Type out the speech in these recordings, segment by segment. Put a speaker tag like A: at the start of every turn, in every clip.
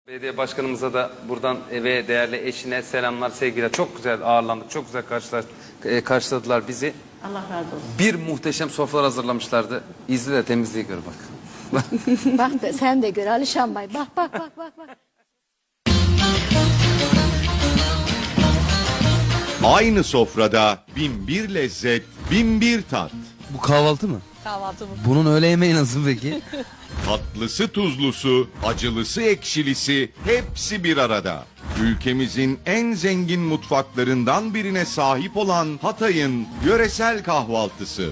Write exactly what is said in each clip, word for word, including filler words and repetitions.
A: Belediye başkanımıza da buradan ve değerli eşine selamlar, sevgiler. Çok güzel ağırlandık, çok güzel karşılar, e, karşıladılar bizi.
B: Allah razı olsun.
A: Bir muhteşem sofralar hazırlamışlardı. İzle de temizliği gör bak.
B: Bak da, sen de gör Alişan Bey. Bak bak bak bak. bak.
C: Aynı sofrada bin bir lezzet, bin bir tat.
A: Bu kahvaltı mı?
D: Kahvaltı mı?
A: Bunun öğle yemeği nasıl peki?
C: Tatlısı tuzlusu, acılısı ekşilisi hepsi bir arada. Ülkemizin en zengin mutfaklarından birine sahip olan Hatay'ın yöresel kahvaltısı.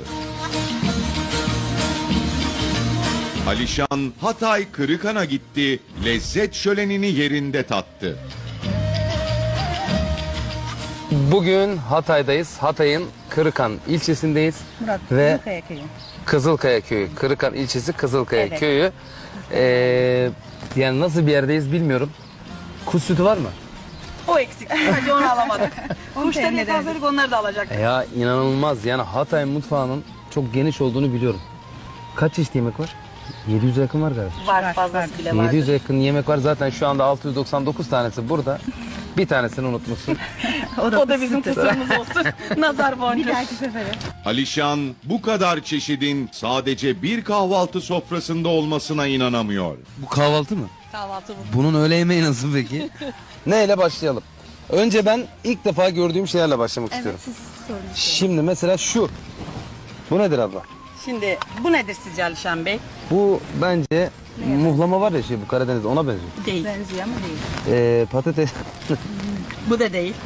C: Alişan Hatay Kırıkan'a gitti, lezzet şölenini yerinde tattı.
A: Bugün Hatay'dayız. Hatay'ın Kırıkan ilçesindeyiz.
D: Murat,
A: Ve
D: Kızılkaya köyü.
A: Kızılkaya köyü. Kırıkan ilçesi Kızılkaya
D: Evet.
A: köyü. Ee, yani nasıl bir yerdeyiz bilmiyorum. Kuş sütü var mı?
D: O eksik. Sadece onu alamadık. Kuşları yakaladık, onları da alacaktık.
A: Ya inanılmaz. Yani Hatay mutfağının çok geniş olduğunu biliyorum. Kaç çeşit yemek var? yedi yüze yakın var galiba.
D: Var, fazlası bile var.
A: yedi yüze yakın yemek var. Zaten şu anda altı yüz doksan dokuz tanesi burada. Bir tanesini unutmuşsun.
D: O da, o da bizim kusurumuz olsun. Nazar boncuğu. Bir dahaki sefere.
C: Alişan bu kadar çeşidin sadece bir kahvaltı sofrasında olmasına inanamıyor.
A: Bu kahvaltı mı?
D: Kahvaltı mı?
A: Bunun öğle yemeği nasıl peki? Neyle başlayalım? Önce ben ilk defa gördüğüm şeylerle başlamak istiyorum.
B: Siz sorun.
A: Şimdi mesela şu. Bu nedir abla?
D: Şimdi bu nedir sizce Alişan Bey?
A: Bu bence muhlama var ya şey bu Karadeniz'de ona benziyor.
D: Değil.
B: Benziyor ama değil.
A: Ee, patates.
D: Bu da değil.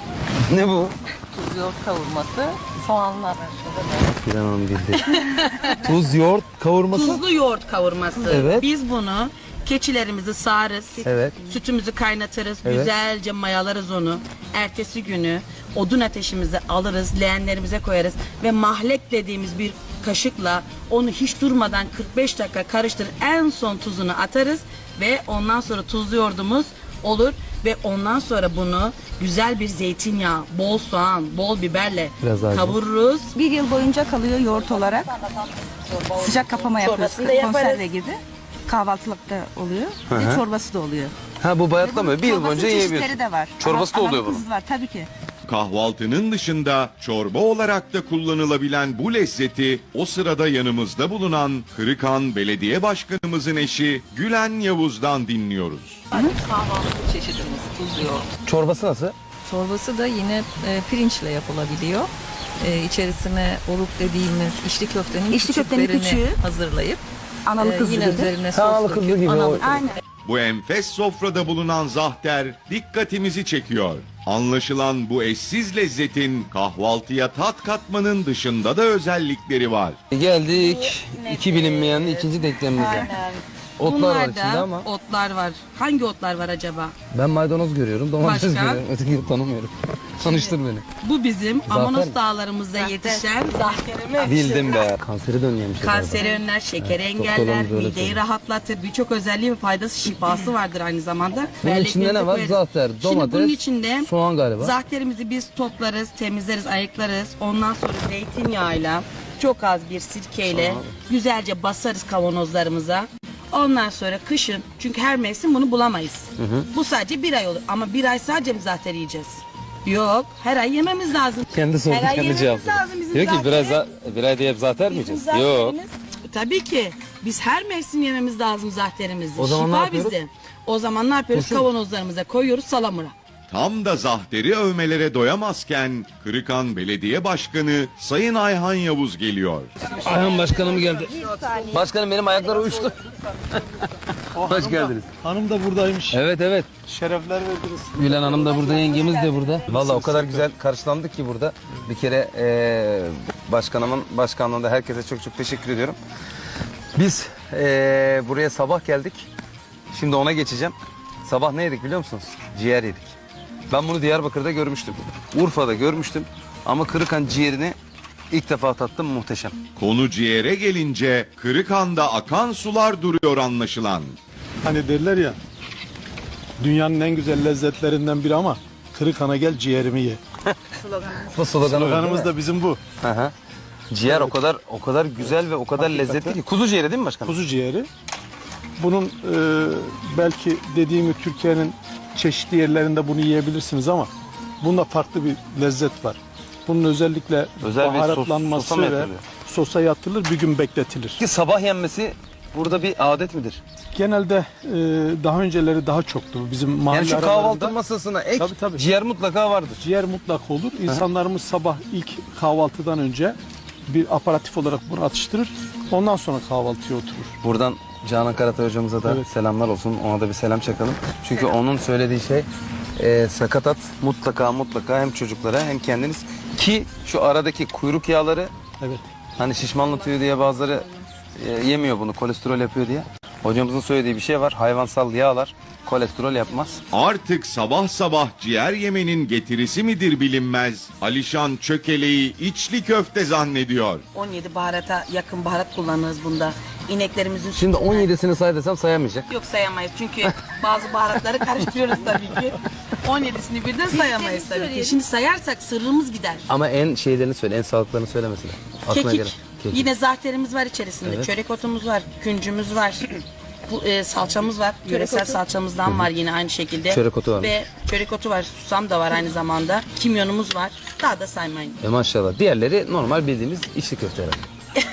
A: Ne bu?
D: Tuz yoğurt kavurması, soğanlar.
A: Bir an onu bildi. Tuz, yoğurt, kavurması.
D: Tuzlu yoğurt kavurması.
A: Evet.
D: Biz bunu keçilerimizi sağarız.
A: Evet.
D: Sütümüzü kaynatırız.
A: Evet.
D: Güzelce mayalarız onu. Ertesi günü odun ateşimizi alırız. Leğenlerimize koyarız. Ve mahlek dediğimiz bir kaşıkla onu hiç durmadan kırk beş dakika karıştırır. En son tuzunu atarız. Ve ondan sonra tuzlu yoğurdumuz olur. Ve ondan sonra bunu güzel bir zeytinyağı, bol soğan, bol biberle
A: Biraz daha
D: kavururuz.
E: Bir yıl boyunca kalıyor yoğurt olarak. Sıcak kapama yapıyoruz.
D: Çorbasını da yaparız.
E: Konserve gibi. Kahvaltılıkta oluyor.
A: Hı
E: Ve
A: hı.
E: çorbası da oluyor.
A: Ha bu bayatlamıyor. Bir yıl
E: Çorbası
A: boyunca
E: çeşitleri
A: yiyebiliyorsun.
E: de var.
A: Çorbası da
E: Ama-
A: oluyor
E: ama
A: bunun.
E: kız var tabii ki.
C: Kahvaltının dışında çorba olarak da kullanılabilen bu lezzeti o sırada yanımızda bulunan Kırıkan Belediye Başkanımızın eşi Gülen Yavuz'dan dinliyoruz.
F: Kahvaltı çeşidimiz tuz yoğurt.
A: Çorbası nasıl?
F: Çorbası da yine e, pirinçle yapılabiliyor. E, içerisine oluk dediğimiz içli köftenin
E: İçli köftenin
F: küçüklerini
E: küçüğü.
F: hazırlayıp
E: Analı
F: e,
E: kızlı
F: yine
E: gibi.
F: üzerine
A: Ha, analı
F: sos
A: kızlı
F: döküp
A: gibi,
F: analı
A: o-
F: kızlı.
E: Aynen.
C: Bu enfes sofrada bulunan zahter dikkatimizi çekiyor. Anlaşılan bu eşsiz lezzetin kahvaltıya tat katmanın dışında da özellikleri var.
A: Geldik iki bilinmeyenin ikinci denklemimize.
D: Aynen.
A: Otlar var
D: Bunlarda
A: içinde ama
D: otlar var. Hangi otlar var acaba?
A: ben maydanoz görüyorum, domates
D: Başka?
A: görüyorum. Ötekini tanımıyorum. Tanıştır beni.
D: Bu bizim
A: Zafer
D: Amanos
A: mi?
D: dağlarımızda yetişen zahterimiz.
A: Bildim be. Kanseri de önlemiş.
D: Kanseri önler, şekeri
A: Evet,
D: engeller,
A: doktorlarımız öyle
D: mideyi
A: söylüyor.
D: rahatlatır. Birçok özelliği ve faydası, şifası vardır aynı zamanda.
A: Bunun
D: Ve
A: içinde ne
D: ekmeğimize
A: var?
D: koyarız.
A: Zahter,
D: Şimdi
A: domates,
D: bunun içinde
A: soğan galiba.
D: zahterimizi biz toplarız, temizleriz, ayıklarız. Ondan sonra zeytinyağıyla, çok az bir sirkeyle güzelce basarız kavanozlarımıza. Ondan sonra kışın, çünkü her mevsim bunu bulamayız. Bu sadece bir ay olur. Ama bir ay sadece mi zahter yiyeceğiz? Yok, her ay yememiz lazım.
A: Kendi sordu,
D: Her ay
A: kendi
D: yememiz
A: cevapladı.
D: lazım bizim
A: Diyor ki biraz
D: zahteri.
A: za- bir ay diye zater mi
D: Bizim
A: yiyeceğiz? Yok.
D: zahterimiz- Tabii ki. Biz her mevsim yememiz lazım zahterimizi.
A: O zaman
D: Şifa
A: ne yapıyoruz?
D: bizde. O zaman ne yapıyoruz?
A: Kesin.
D: Kavanozlarımıza koyuyoruz salamura.
C: Tam da zahteri övmelere doyamazken Kırıkan Belediye Başkanı Sayın Ayhan Yavuz geliyor.
A: Ayhan başkanım geldi. Başkanım benim ayakları uyuştu. Hoş geldiniz.
G: Hanım da buradaymış.
A: Evet evet.
G: Şerefler verdiniz.
A: Gülen Hanım da burada, yengemiz de burada. Vallahi o kadar güzel karşılandık ki burada. Bir kere eee başkanımın başkanlığında herkese çok çok teşekkür ediyorum. Biz eee, buraya sabah geldik. Şimdi ona geçeceğim. Sabah ne yedik biliyor musunuz? Ciğer yedik. Ben bunu Diyarbakır'da görmüştüm. Urfa'da görmüştüm. Ama Kırıkan ciğerini ilk defa tattım, muhteşem.
C: Konu ciğere gelince Kırıkan'da akan sular duruyor anlaşılan.
G: Hani derler ya, dünyanın en güzel lezzetlerinden biri ama Kırıkan'a gel ciğerimi ye.
A: Bu sloganı
G: Sloganımız da bizim bu.
A: Hı hı. Ciğer o kadar o kadar güzel ve o kadar lezzetli ki. Kuzu ciğeri değil mi başkanım?
G: Kuzu ciğeri. bunun e, belki dediğim gibi Türkiye'nin çeşitli yerlerinde bunu yiyebilirsiniz ama bunda farklı bir lezzet var. Bunun özellikle
A: Özel bir sos-
G: baharatlanması
A: sosa mı
G: ve
A: yatırılıyor?
G: sosa yatılır, bir gün bekletilir.
A: Ki sabah yenmesi burada bir adet midir?
G: Genelde e, daha önceleri daha çoktu bizim mahalle
A: Yani şu
G: aralarında.
A: kahvaltı masasına ek
G: Tabii, tabii.
A: ciğer mutlaka vardır.
G: Ciğer mutlak olur. İnsanlarımız sabah ilk kahvaltıdan önce bir aparatif olarak bunu atıştırır. Ondan sonra kahvaltıya oturur.
A: Buradan Canan Karatay hocamıza da
G: Evet.
A: selamlar olsun. Ona da bir selam çakalım. Çünkü onun söylediği şey e, sakatat mutlaka mutlaka hem çocuklara hem kendiniz, ki şu aradaki kuyruk yağları,
G: Evet.
A: hani şişmanlatıyor diye bazıları e, yemiyor bunu, kolesterol yapıyor diye. Hocamızın söylediği bir şey var. Hayvansal yağlar kolesterol yapmaz.
C: Artık sabah sabah ciğer yemenin getirisi midir bilinmez. Alişan çökeleği içli köfte zannediyor.
D: on yedi baharata yakın baharat kullanırız bunda. İneklerimizin
A: Şimdi
D: sütünden-
A: on yedisini say desem sayamayacak.
D: Yok sayamayız çünkü bazı baharatları karıştırıyoruz tabii ki. on yedisini birden sayamayız tabii ki. Şimdi sayarsak sırrımız gider.
A: Ama en şeylerini söyle, en sağlıklarını söyle mesela. Aklına
D: Kekik.
A: gelen. Kekik.
D: Yine zahterimiz var içerisinde.
A: Evet.
D: Çörek otumuz var, küncümüz var. Bu e, salçamız var. Yöresel salçamızdan var yine aynı şekilde.
A: Çörek otu var.
D: Ve çörek otu var. Susam da var aynı zamanda. Kimyonumuz var. Daha da saymayın.
A: E maşallah. Diğerleri normal bildiğimiz içli köfte herhalde.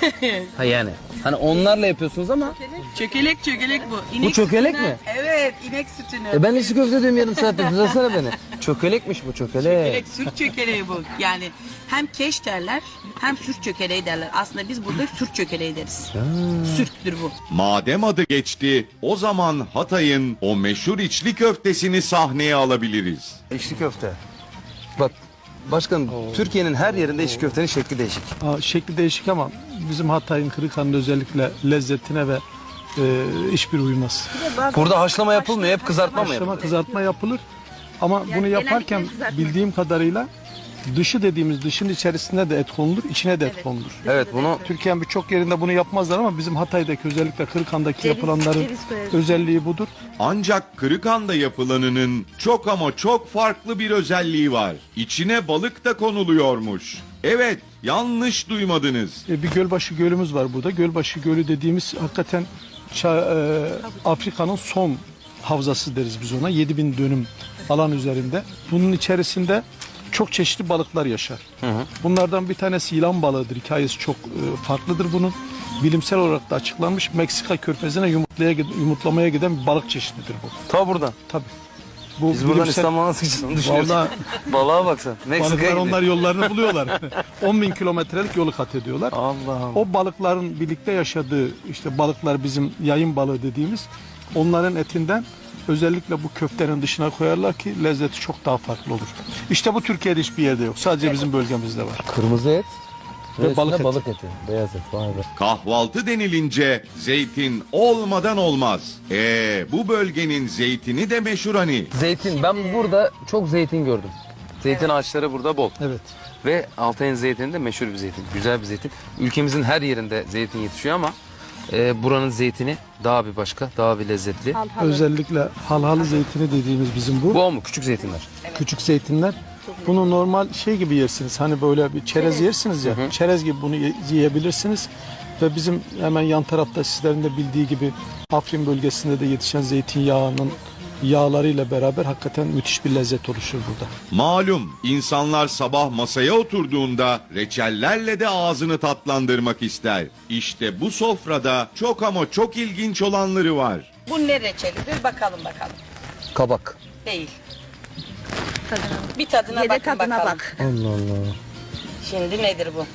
A: Ha yani. Hani onlarla yapıyorsunuz ama.
D: Çökelek çökelek bu. İnek
A: Bu çökelek
D: sütünden-
A: mi?
D: Evet, inek sütünü.
A: E ben içli köfte diyorum yarım saatte. Düzelsene beni. Çökelekmiş bu, çökelek.
D: Çökelek, sürt çökeleği bu. Yani hem keş derler hem sürt çökeleği derler. Aslında biz burada sürt çökeleği deriz. Sürttür bu.
C: Madem adı geçti, o zaman Hatay'ın o meşhur içli köftesini sahneye alabiliriz.
A: İçli köfte. Bak başkanım, Türkiye'nin her yerinde içli köftenin şekli değişik.
G: Aa, şekli değişik ama bizim Hatay'ın Kırıkhan'ın özellikle lezzetine ve e, hiçbir uymaz.
A: Burada haşlama yapılmıyor, hep kızartma mı
G: Haşlama,
A: yapılıyor?
G: kızartma yapılır ama bunu yaparken bildiğim kadarıyla dışı dediğimiz dışın içerisine de et konulur, içine de et konulur.
A: Evet, bunu
G: Türkiye'nin birçok yerinde bunu yapmazlar ama bizim Hatay'daki özellikle Kırıkhan'daki yapılanların özelliği budur.
C: Ancak Kırıkhan'da yapılanının çok ama çok farklı bir özelliği var. İçine balık da konuluyormuş. Evet, yanlış duymadınız.
G: E, bir Gölbaşı Gölümüz var burada. Gölbaşı Gölü dediğimiz hakikaten Ça- e, Afrika'nın son havzası deriz biz ona. yedi bin dönüm alan üzerinde. Bunun içerisinde çok çeşitli balıklar yaşar. Bunlardan bir tanesi yılan balığıdır. Hikayesi çok e, farklıdır bunun. Bilimsel olarak da açıklanmış. Meksika körfezine yumurtlaya, yumurtlamaya giden bir balık çeşididir bu.
A: ta buradan.
G: Tabii. Bu
A: Biz buradan
G: bilimsel-
A: İstanbul'a nasıl gideceğiz düşünüyoruz.
G: Vallahi
A: Balığa baksan. Meksika'ya
G: balıklar
A: gidiyor.
G: onlar yollarını buluyorlar. on bin kilometrelik yolu kat ediyorlar.
A: Allah Allah.
G: O balıkların birlikte yaşadığı, işte balıklar bizim yayın balığı dediğimiz, onların etinden özellikle bu köftenin dışına koyarlar ki lezzeti çok daha farklı olur. İşte bu Türkiye'de hiçbir yerde yok. Sadece bizim bölgemizde var.
A: Kırmızı et
G: Ve
A: ve
G: balık
A: balık,
G: eti.
A: balık eti. Beyaz et. Vay be.
C: Kahvaltı denilince zeytin olmadan olmaz. Ee, bu bölgenin zeytini de meşhur hani.
A: Zeytin. Ben burada çok zeytin gördüm. Zeytin ağaçları burada bol.
G: Evet.
A: Ve Altay'ın zeytini de meşhur bir zeytin. Güzel bir zeytin. Ülkemizin her yerinde zeytin yetişiyor ama e, buranın zeytini daha bir başka, daha bir lezzetli.
G: Özellikle halhalı zeytini dediğimiz bizim bu.
A: Bu o mu? Küçük zeytinler.
G: Küçük zeytinler. Bunu normal şey gibi yersiniz. Hani böyle bir çerez yersiniz ya. Çerez gibi bunu ye- yiyebilirsiniz. Ve bizim hemen yan tarafta sizlerin de bildiği gibi Afrin bölgesinde de yetişen zeytinyağının yağlarıyla beraber hakikaten müthiş bir lezzet oluşur burada.
C: Malum insanlar sabah masaya oturduğunda reçellerle de ağzını tatlandırmak ister. İşte bu sofrada çok ama çok ilginç olanları var.
D: Bu ne reçelidir bakalım bakalım.
A: Kabak.
D: Değil. Bir tadına
B: Yine
D: bakın
B: tadına
D: bakalım.
B: bak.
A: Allah Allah.
D: Şimdi nedir bu?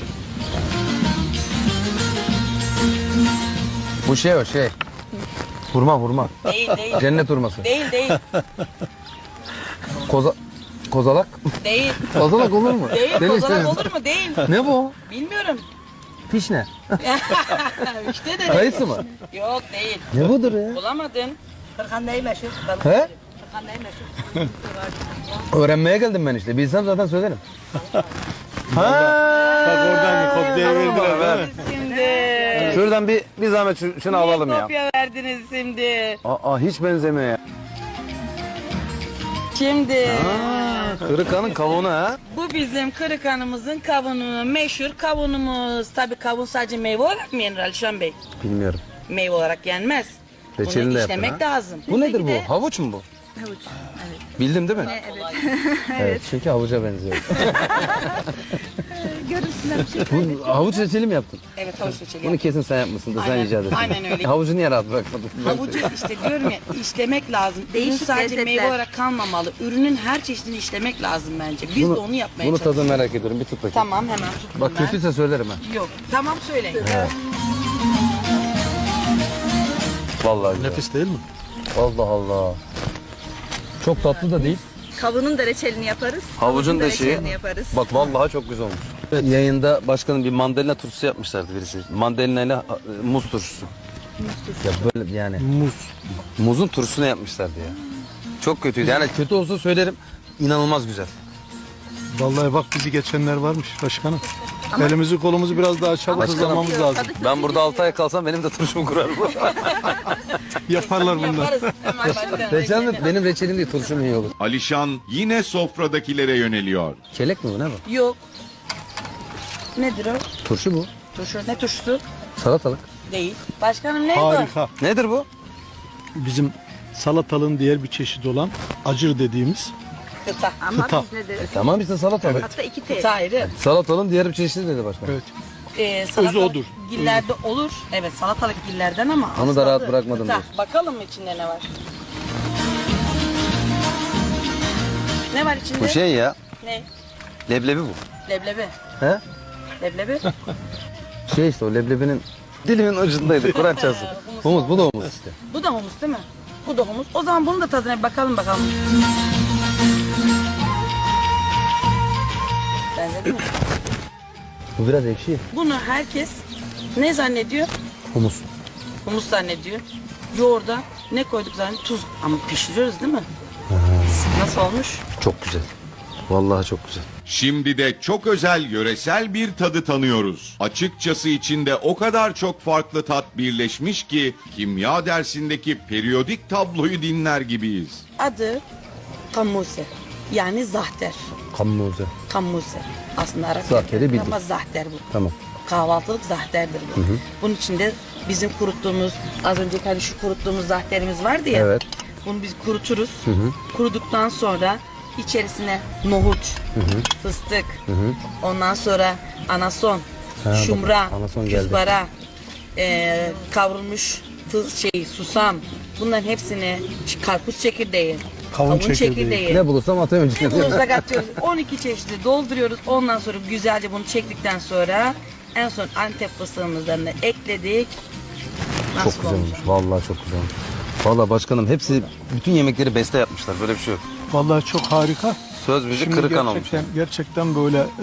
A: Bu şey o şey. Hurma hurma.
D: Değil değil.
A: Cennet hurması.
D: Değil değil.
A: Koza... Kozalak.
D: Değil.
A: Kozalak olur mu?
D: Değil.
A: Deli
D: Kozalak
A: işte.
D: olur mu? Değil.
A: Ne bu?
D: Bilmiyorum.
A: Piş ne?
D: işte de
A: Kayısı mı?
D: Yok değil.
A: Ne budur ya?
D: Bulamadın. Kırkan neyi meşhur?
A: He?
D: Kırkan neyi meşhur?
A: Öğrenmeye geldim ben işte. Bilsem zaten söylerim. Ha.
G: Bak oradan bir kopya verdiler değil mi?
D: Şimdi.
A: Şuradan bir bir zahmet şu- şunu alalım ya.
D: Kopya verdiniz şimdi.
A: Aa hiç benzemiyor ya.
D: Şimdi.
A: Kırıkanın kavunu ha.
D: Bu bizim Kırıkhan'ımızın kavunu, meşhur kavunumuz. Tabii kavun sadece meyve olarak mı yenir Alişan Bey?
A: Bilmiyorum.
D: Meyve olarak yenmez.
A: Reçelini
D: Bunu
A: de yaptın
D: işlemek
A: ha.
D: lazım.
A: Bu nedir bu? Havuç mu bu?
E: Havuç.
A: Bildim değil mi? Evet. evet. Çünkü havuca benziyor.
E: Görüntüsüne bir şey.
A: Bu havuç reçeli mi yaptın?
D: Evet havuç reçeli.
A: Bunu kesin sen yapmışsın da sen
D: Aynen,
A: icat ettin.
D: aynen öyle.
A: Havucu niye rahat bırakmadın?
D: Havucu işte diyorum ya işlemek lazım. Ürün
E: Değişik
D: sadece
E: lezzetler.
D: meyve olarak kalmamalı. Ürünün her çeşidini işlemek lazım bence. Biz
A: Bunu-
D: de onu yapmaya
A: Bunu
D: çalışıyoruz.
A: tadını merak ediyorum. Bir tut bakayım.
D: Tamam hemen tuttum
A: Bak
D: ben.
A: kötüyse söylerim ha.
D: Yok. Tamam söyleyin.
A: Vallahi güzel.
G: Nefis değil mi?
A: Allah Allah. Çok tatlı da değil.
E: Kavunun da reçelini yaparız.
A: Havucun da şeyi.
E: reçelini yaparız.
A: Bak vallahi çok güzel olmuş. Yayında başkanım bir mandalina turşusu yapmışlardı birisi. Mandalina ile e, muz turşusu. Ya böyle yani
G: Muz.
A: muzun turşusunu yapmışlardı ya. Çok kötüydü. Yani kötü olsa söylerim. İnanılmaz güzel.
G: Vallahi bak bizi geçenler varmış başkanım. Elimizi kolumuzu biraz daha çabuk
A: Başkanım.
G: hızlamamız lazım.
A: Ben burada altı ay kalsam benim de turşumu kurarım.
G: Yaparlar bunlar.
D: Yaparız. Hemen başlayalım.
A: Reçel de benim reçelim değil turşum iyi olur.
C: Alişan yine sofradakilere yöneliyor.
A: Çelek mi bu ne bu?
D: Yok. Nedir o?
A: Turşu bu.
D: Turşu. Ne turşusu?
A: Salatalık.
D: Değil. Başkanım ne bu?
G: Harika.
A: Nedir bu?
G: Bizim salatalığın diğer bir çeşidi olan acır dediğimiz
D: Kıta.
E: Ama
G: Kıta.
E: biz ne deriz?
A: Tamam işte salatalık.
E: Hatta iki T.
D: Kıta ayrı.
A: Salatalığın diğer bir çeşidi dedi başkan.
G: Evet.
D: Ee, salatalık
G: odur.
D: Gillerde olur. Evet salatalık gillerden ama.
A: Onu da
D: aslı
A: rahat
D: adı
A: bırakmadım
D: kıta.
A: diyorsun.
D: Bakalım mı içinde ne var? Ne var içinde?
A: Bu şey ya.
D: Ne?
A: Leblebi bu.
D: Leblebi.
A: He?
D: Leblebi.
A: Şey işte o leblebinin dilimin ucundaydı. Kur'an çalsın. Humus bu da humus işte.
D: Bu da humus değil mi? Bu da humus. O zaman bunun da tadına bir bakalım bakalım. Benzedi mi?
A: Bu biraz ekşi.
D: Bunu herkes ne zannediyor?
A: Humus.
D: Humus zannediyor. Yoğurda ne koyduk zannediyor? Tuz. Ama pişiriyoruz değil mi? Nasıl olmuş?
A: Çok güzel. Vallahi çok güzel.
C: Şimdi de çok özel yöresel bir tadı tanıyoruz. Açıkçası içinde o kadar çok farklı tat birleşmiş ki kimya dersindeki periyodik tabloyu dinler gibiyiz.
D: Adı kammuse. Yani zahter.
A: Kammuze.
D: Kammuse. Aslında Arapça
A: Zahteri bildim.
D: ama zahter bu.
A: Tamam.
D: Kahvaltılık zahterdir bu. Bunun içinde bizim kuruttuğumuz, az önceki hani şu kuruttuğumuz zahterimiz vardı ya.
A: Evet.
D: Bunu biz kuruturuz. Kuruduktan sonra içerisine nohut, fıstık, ondan sonra anason,
A: Ha,
D: şumra,
A: bak, anason geldi.
D: küzbara, e, kavrulmuş tuz, şey, susam. Bunların hepsini karpuz çekirdeği,
G: Kavun çekirdeği.
A: Ne bulursam atıyorum
D: ne
A: içine.
D: bulursak atıyoruz. on iki çeşidi dolduruyoruz. Ondan sonra güzelce bunu çektikten sonra en son Antep fıstığımızdan da ekledik. Nasıl
A: Çok güzel
D: olmuş?
A: olmuş. Vallahi çok güzel olmuş. Vallahi başkanım hepsi bütün yemekleri beste yapmışlar. Böyle bir şey yok.
G: Vallahi çok harika.
A: Söz müzik
G: Şimdi
A: kırıkan olmuş.
G: gerçekten, gerçekten böyle e,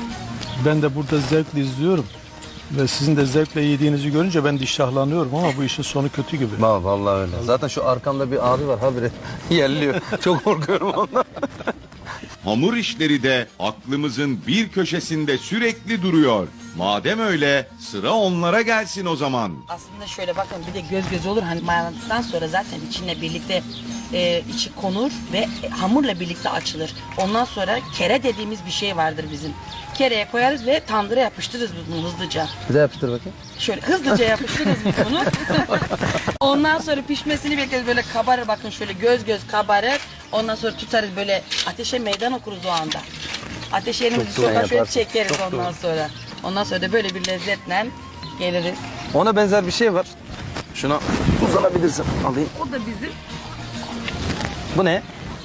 G: ben de burada zevkle izliyorum. Ve sizin de zevkle yediğinizi görünce ben de iştahlanıyorum ama bu işin sonu kötü gibi.
A: Va- Vallahi öyle. Zaten şu arkamda bir abi var habire yerliyor. Çok korkuyorum ondan.
C: Hamur işleri de aklımızın bir köşesinde sürekli duruyor. Madem öyle sıra onlara gelsin o zaman.
D: Aslında şöyle bakın bir de göz göz olur. Hani mayaladıktan sonra zaten içine birlikte e, içi konur ve hamurla birlikte açılır. Ondan sonra kere dediğimiz bir şey vardır bizim. Kereye koyarız ve tandıra yapıştırırız bunu hızlıca.
A: Bir daha yapıştır bakayım.
D: Şöyle hızlıca yapıştırırız biz bunu. Ondan sonra pişmesini bekleriz böyle kabarır bakın şöyle göz göz kabarır. Ondan sonra tutarız böyle ateşe meydan okuruz o anda. Ateşe elimizi
A: Çok doğru
D: sokar şöyle
A: yaparsın.
D: çekeriz
A: Çok
D: ondan
A: doğru.
D: sonra. Ondan sonra da böyle bir lezzetle geliriz.
A: Ona benzer bir şey var. Şuna uzanabilirsin. Alayım.
D: O da bizim.
A: Bu ne?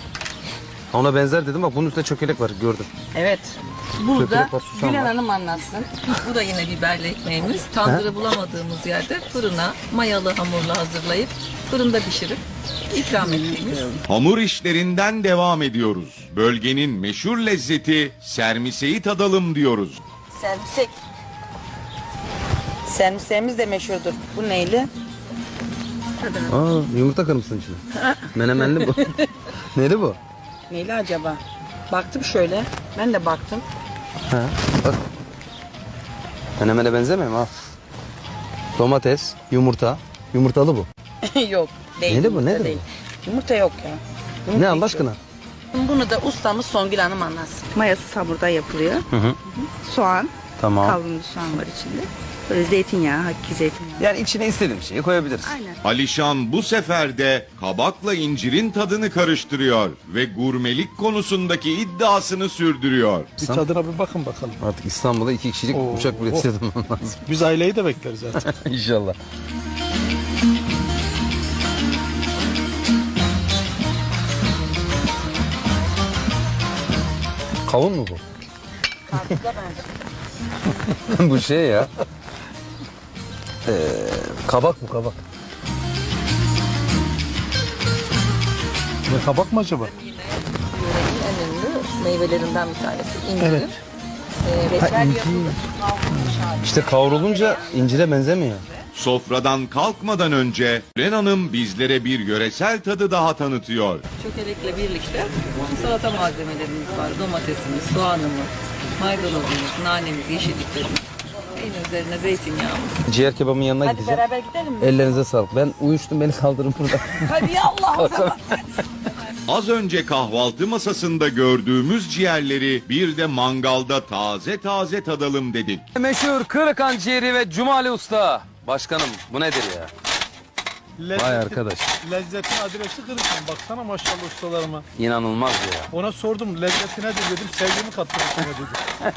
A: Ona benzer dedim bak bunun üstünde çökelek var gördüm.
D: Evet. Burada
A: Çökelek var, susam
D: Gülen
A: var.
D: Hanım anlatsın.
F: Bu da yine biberli ekmeğimiz. Tandırı bulamadığımız yerde fırına mayalı hamurla hazırlayıp fırında pişirip ikram ettiğimiz.
C: Hamur işlerinden devam ediyoruz. Bölgenin meşhur lezzeti sermiseyi tadalım diyoruz.
D: Servisek. Servisemiz de meşhurdur. Bu neyli?
A: Aa yumurta kırmışsın içine. Menemenli bu. Neydi bu?
D: Neyli acaba? Baktım şöyle. Ben de baktım.
A: Ha, bak. Menemene benzemiyor mu? Al. Domates, yumurta. Yumurtalı bu.
D: Yok. Değil.
A: Neyli bu,
D: yumurta
A: nedir
D: değil. Yumurta yok ya. Yumurta
A: Ne
D: hiç
A: Allah
D: yok.
A: aşkına?
D: Bunu da ustamız Songül Hanım anlatsın.
E: Mayası hamurda yapılıyor.
A: Hı hı.
E: Soğan,
A: Tamam.
E: kavrulmuş soğan var içinde. Böyle zeytinyağı, hakiki zeytinyağı.
A: Yani içine istediğim şeyi koyabiliriz.
E: Aynen.
C: Alişan bu sefer de kabakla incirin tadını karıştırıyor ve gurmelik konusundaki iddiasını sürdürüyor.
G: Bir tadına bir bakın bakalım.
A: Artık İstanbul'a iki kişilik
G: Oo.
A: uçak bileti yazmam lazım.
G: Biz aileyi de bekleriz artık.
A: İnşallah. Kavun mu bu? Bu şey ya. Ee, kabak mı kabak?
G: Ne kabak mı acaba?
F: Yörenin en ünlü meyvelerinden bir tanesi. İncir.
G: Evet.
F: Ee, reçel yapılır.
A: İşte kavrulunca incire benzemiyor.
C: Sofradan kalkmadan önce Ren Hanım bizlere bir yöresel tadı daha tanıtıyor.
F: Çökelekle birlikte salata malzemelerimiz var. Domatesimiz, soğanımız, maydanozumuz, nanemiz, yeşilliklerimiz. En üzerine zeytinyağımız.
A: Ciğer kebabın yanına
F: Hadi
A: gideceğim.
F: beraber gidelim mi?
A: Ellerinize sağlık. Ben uyuştum, beni kaldırın burada.
F: Hadi ya Allah.
C: Az önce kahvaltı masasında gördüğümüz ciğerleri bir de mangalda taze taze tadalım dedik.
A: Meşhur Kırıkan ciğeri ve Cumali Usta. Başkanım bu nedir ya?
G: Lezzetin,
A: Vay arkadaş.
G: Lezzetin adresi Kırıkan. Baksana maşallah ustalarıma.
A: İnanılmaz ya.
G: Ona sordum lezzeti nedir dedim. Sevgimi kattım içine dedi.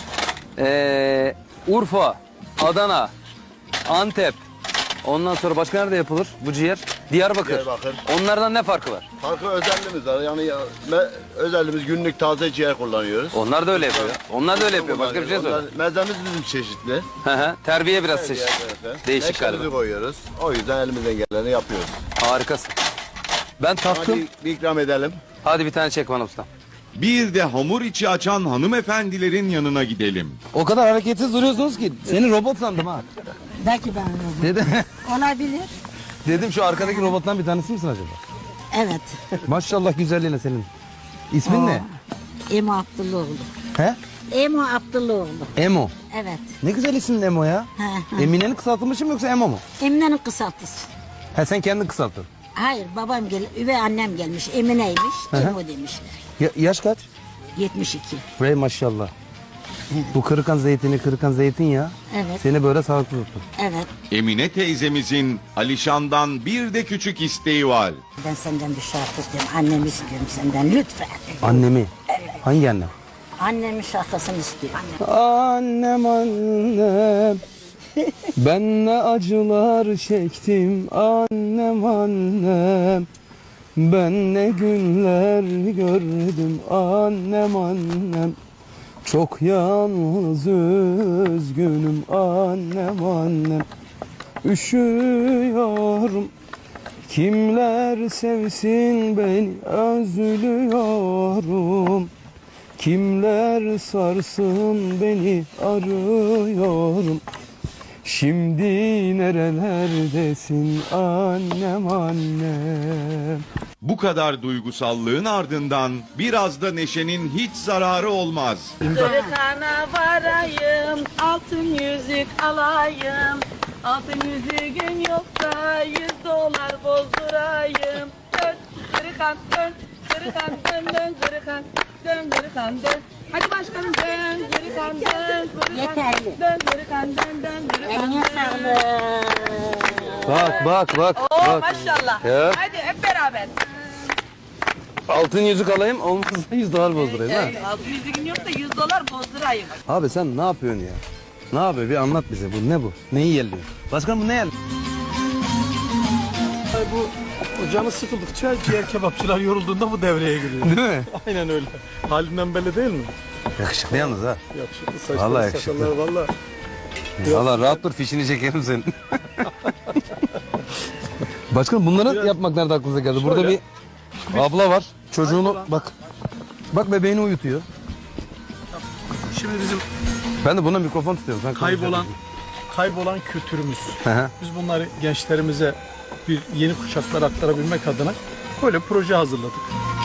A: Ee, Urfa, Adana, Antep. Ondan sonra başka nerede yapılır bu ciğer? Diyarbakır.
H: Diyarbakır.
A: Onlardan ne farkı var?
H: Farklı özelliğimiz var. Yani ya- me- özelliğimiz günlük taze ciğer kullanıyoruz.
A: Onlar da öyle yapıyor. Onlar da öyle yapıyor. Başka bir şey söyle.
H: Onlar- Mezemiz bizim çeşitli.
A: Hı hı. Terbiye biraz seç. Değişik
H: Ekşimizi
A: galiba.
H: koyuyoruz. O yüzden elimizden geleni yapıyoruz.
A: Harikasın. Ben taktım.
H: Hadi bir ikram edelim.
A: Hadi bir tane çek bana usta.
C: Bir de hamur içi açan hanımefendilerin yanına gidelim.
A: O kadar hareketsiz duruyorsunuz ki seni robot sandım ha.
B: Belki ben robot.
A: Dedim,
B: Olabilir.
A: dedim şu arkadaki robottan bir tanesi misin acaba?
B: Evet.
A: Maşallah güzelliğine senin. İsmin ne?
B: Emo Abdulloğlu.
A: He?
B: Emo Abdulloğlu.
A: Emo.
B: Evet.
A: Ne güzel isim Emo ya.
B: He, he.
A: Emine'nin kısaltılmışı mı yoksa Emo mu?
B: Emine'nin kısaltısı.
A: He sen kendin kısalttın.
B: Hayır babam gel, üvey annem gelmiş. Emine'ymiş.
A: Hı hı.
B: Emo demiş.
A: Ya, yaş kaç?
B: yetmiş iki.
A: Ray maşallah. Bu kırıkan zeytini, kırıkan zeytin ya.
B: Evet.
A: Seni böyle sağlıklı tuttu.
B: Evet.
C: Emine teyzemizin Alişan'dan bir de küçük isteği var.
B: Ben senden bir şarkı istiyorum. Annemi istiyorum senden lütfen.
A: Annemi. Hangi annem?
B: Annemin şarkısını istiyorum.
A: Annem annem. Ben ne acılar çektim annem annem. Ben ne günler gördüm annem annem. Çok yalnız üzgünüm annem annem. Üşüyorum. Kimler sevsin beni özlüyorum. Kimler sarsın beni arıyorum. Şimdi nerelerdesin annem annem.
C: Bu kadar duygusallığın ardından biraz da neşenin hiç zararı olmaz.
D: Kırıkana varayım, altın yüzük alayım. Altın yüzüğün yoksa yüz dolar bozdurayım. Dön, kırıkan dön, kırıkan dön, dön, kırıkan dön, kırıkan dön. Hadi başkanım dön, kırıkan dön, kırıkan
B: Yeterli.
D: dön, kırıkan dön, dön, kırıkan
B: Eline
D: dön.
B: sağlık.
A: Bak bak bak.
D: Oo
A: bak.
D: maşallah.
A: Ya.
D: Hadi hep beraber.
A: Altın yüzük alayım olmazsa yüz dolar bozdurayım ha.
D: Ee, altın yüzüğün yoksa yüz dolar bozdurayım.
A: Abi sen ne yapıyorsun ya? Ne yapıyor? Bir anlat bize. Bu ne bu? Neyi yerliyor? Başkanım bu ne yerliyor?
G: Bu o canı sıkıldıkça ciğer kebapçılar yorulduğunda bu devreye giriyor.
A: Değil mi?
G: Aynen öyle. Halinden belli değil mi?
A: Yakışıklı yalnız ha.
G: Yakışıklı saçlar,
A: Vallahi yakışıklı.
G: sakallar valla.
A: Valla rahat dur fişini çekerim senin. Başkanım bunları
G: Biraz-
A: yapmak nerede aklınıza geldi? Burada
G: Şöyle.
A: bir abla var. Çocuğunu
G: Hayır,
A: bak. Bak bebeğini uyutuyor.
G: Şimdi bizim
A: Ben de buna mikrofon tutuyorum. Sen
G: kaybolan kaybolan kültürümüz.
A: Hı hı.
G: Biz bunları gençlerimize bir yeni kuşaklara aktarabilmek adına böyle proje hazırladık.